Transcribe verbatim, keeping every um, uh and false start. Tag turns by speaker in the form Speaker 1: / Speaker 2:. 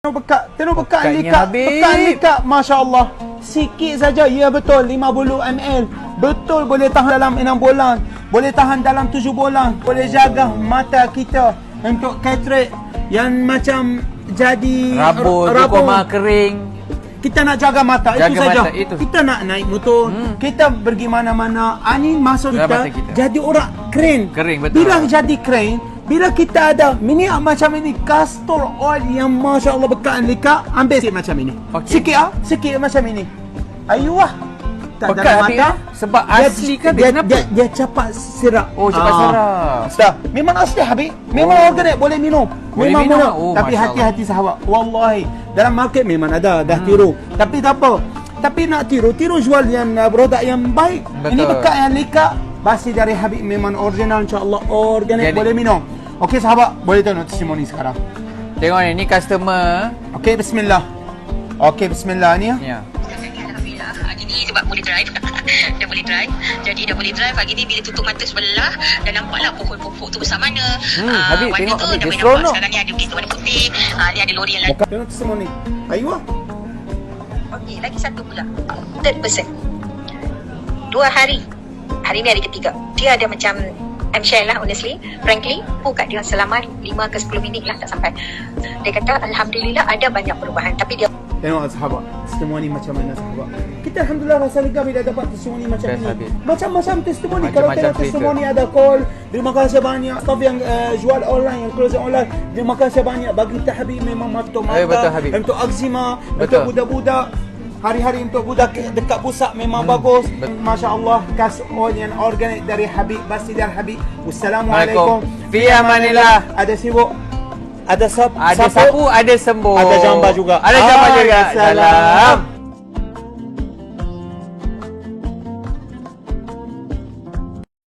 Speaker 1: Bekat, tengok bekat
Speaker 2: Bekatnya
Speaker 1: lika,
Speaker 2: habis.
Speaker 1: bekat lika, Masya Allah. Sikit saja, ya betul, lima puluh mililiter. Betul, boleh tahan dalam enam bulan. Boleh tahan dalam tujuh bulan. Boleh jaga mata kita untuk katarak yang macam jadi
Speaker 2: Rabun, koma kering.
Speaker 1: Kita nak jaga mata,
Speaker 2: Jaga
Speaker 1: itu saja.
Speaker 2: mata, itu.
Speaker 1: Kita nak naik motor, hmm. kita pergi mana-mana, angin masuk kita,
Speaker 2: kita,
Speaker 1: jadi orang keren.
Speaker 2: Kering, betul.
Speaker 1: Bila jadi keren, bila kita ada minyak macam ini, castor oil yang Masya Allah bekat lika, ambil sikit macam ini.
Speaker 2: Okay.
Speaker 1: Sikit ah, sikit macam ini. Ayuh. Tak
Speaker 2: Bekat
Speaker 1: dalam
Speaker 2: habis
Speaker 1: mata.
Speaker 2: kan? Sebab asli kan
Speaker 1: dia,
Speaker 2: dia,
Speaker 1: dia, dia cepat serap.
Speaker 2: Oh, cepat
Speaker 1: Ah.
Speaker 2: serap.
Speaker 1: Dah. Memang asli habis. Memang
Speaker 2: Oh.
Speaker 1: organik, boleh minum.
Speaker 2: Boleh
Speaker 1: memang
Speaker 2: minum.
Speaker 1: boleh.
Speaker 2: Oh,
Speaker 1: Tapi
Speaker 2: Masya
Speaker 1: hati-hati sahabat. Wallahi, dalam market memang ada dah hmm. tiru. Tapi tak apa. Tapi nak tiru, tiru jual yang uh, produk yang baik.
Speaker 2: Betul.
Speaker 1: Ini bekat yang lika, basi dari Habib memang original, insya-Allah organik,
Speaker 2: Organic.
Speaker 1: boleh minum. Okey sahabat, boleh tengok testimoni sekarang.
Speaker 2: Tengok ni, ni customer.
Speaker 1: Okey, bismillah. Okey, bismillah ni ya.
Speaker 2: Ya.
Speaker 3: Alhamdulillah, hari ni sebab boleh drive. Dah boleh drive. Jadi dah boleh drive. Hari ni bila tutup mata sebelah, dah nampaklah pokok-pokok tu besar mana.
Speaker 2: Hmm,
Speaker 3: Ah,
Speaker 2: Habib,
Speaker 3: warna
Speaker 2: tengok
Speaker 3: tu
Speaker 2: Habib,
Speaker 3: dah
Speaker 2: dia
Speaker 3: boleh
Speaker 2: seronok.
Speaker 3: nampak. Sekarang ni ada bis tu warna putih. Ah, ni ada lori yang lain.
Speaker 1: Buka. Tengok testimoni. Ayuh.
Speaker 3: Okey, lagi satu pula. Third person. Dua hari. Hari ni hari ketiga. Dia ada macam I'm share lah honestly, frankly, aku kat dia selama lima ke sepuluh minit lah tak sampai. Dia kata Alhamdulillah ada banyak perubahan, tapi dia
Speaker 1: Tengok sahabat, testimoni macam mana sahabat. Kita Alhamdulillah rasa lega bila dapat testimoni macam
Speaker 2: Best
Speaker 1: ni.
Speaker 2: habis.
Speaker 1: Macam-macam testimoni. Kalau
Speaker 2: Macam-macam
Speaker 1: tengok
Speaker 2: cerita.
Speaker 1: testimoni ada call, terima kasih banyak. Staff yang uh, jual online, yang closing online, terima kasih banyak. Bagi kita Habib memang mata-mata.
Speaker 2: Eh, betul, Habib.
Speaker 1: Untuk eczema,
Speaker 2: Betul.
Speaker 1: untuk budak-budak. Hari-hari untuk budak dekat pusat memang
Speaker 2: Hmm,
Speaker 1: bagus.
Speaker 2: betul.
Speaker 1: Masya Allah, kas oil yang organik dari Habib, basi dari Habib. Wassalamualaikum.
Speaker 2: Fi amanillah.
Speaker 1: Ada sibuk? Ada sap?
Speaker 2: Ada sapu, ada sembuh.
Speaker 1: Ada jamba juga.
Speaker 2: Ada jamba
Speaker 1: Ah,
Speaker 2: juga.
Speaker 1: salam.
Speaker 2: Salam.